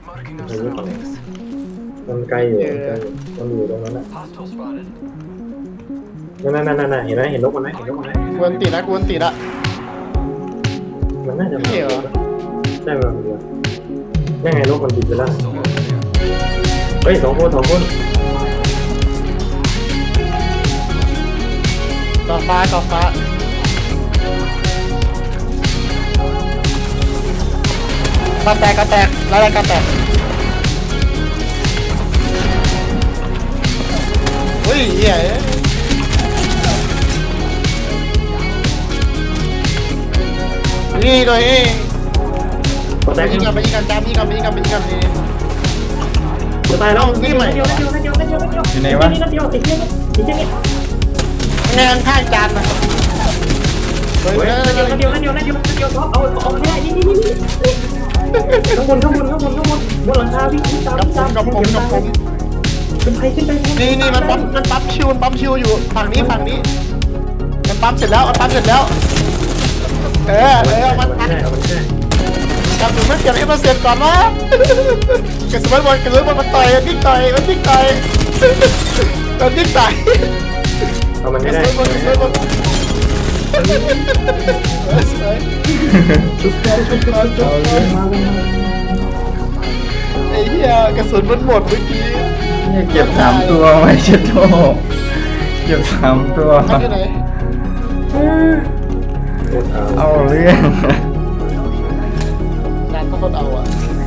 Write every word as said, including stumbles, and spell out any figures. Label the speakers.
Speaker 1: มันไกลอยู่มันอยู่ตรงนั้นแหละนั่นนั่นนั่นเห็นไหมเห็นนกมันไหมเห็นนกมันไหม
Speaker 2: กวนตีละกวนตีละ
Speaker 1: มันน่าจะมา
Speaker 2: เหี้ยเหรอ
Speaker 1: ใช่มันเดียวยังไงนกมันบินไปแล้วเฮ้ยสองคนสองคน
Speaker 2: ต่อฟ้าต่อฟ้าก็แตกก็แตกแล้วอะไรก็แตกเฮ้ยเหี้ยนี่ตัวเอง
Speaker 1: ก็แตก
Speaker 2: ยิงกันไปยิงกันจามยิงกันไปยิงกันไปยิงกันนี่
Speaker 1: จะตายแล้ว
Speaker 2: นี่ใหม่
Speaker 1: เดียวเดียวเดียวเดียวเดียว
Speaker 3: อยู่ไหนวะ
Speaker 1: นี่เดียวติดเดียวติดเดียวนี่
Speaker 2: งานข้างจานนะเฮ้ย
Speaker 1: เฮ้ยเดียวเดียวเดียวเดียวเดียวเอาเอาไม่ได้นี่นี่นี่ข้างบนข้างบนข้างบนข้างบนบนหลังคาวิ่งตาม
Speaker 2: กับผมกับผมกับผม
Speaker 1: ขึ้นไปขึ้นไป
Speaker 2: นี่นี่มันปั๊มมันปั๊มชิวมันปั๊มชิวอยู่ฝั่งนี้ฝั่งนี้มันปั๊มเสร็จแล้วมันปั๊มเสร็จแล้วเออเออมัน
Speaker 1: แค่มันแค่
Speaker 2: จับถึงมันเก็บให้มันเสร็จก่อนวะกระสุนบอลกระสุนบอลมันต่อยมันทิ้งต่อยมันทิ้งต่อยมันทิ้งต่อย
Speaker 1: เอามัน
Speaker 2: ก
Speaker 1: ไม่
Speaker 2: ระ
Speaker 1: ได้
Speaker 2: สุนบอลกระสุนบอลสวย
Speaker 1: ชุบชุบชุบชุบมามา
Speaker 2: ไอ้เหี้ยกระสุนมันหมดเมื่อกี้
Speaker 3: เนี่ยเก็บสามตัวไว้เช็ดโตเก็บสามตัว
Speaker 2: มันอยู่ไหน
Speaker 3: เอาเรื่อง
Speaker 2: งานก็คนเอาอ่ะ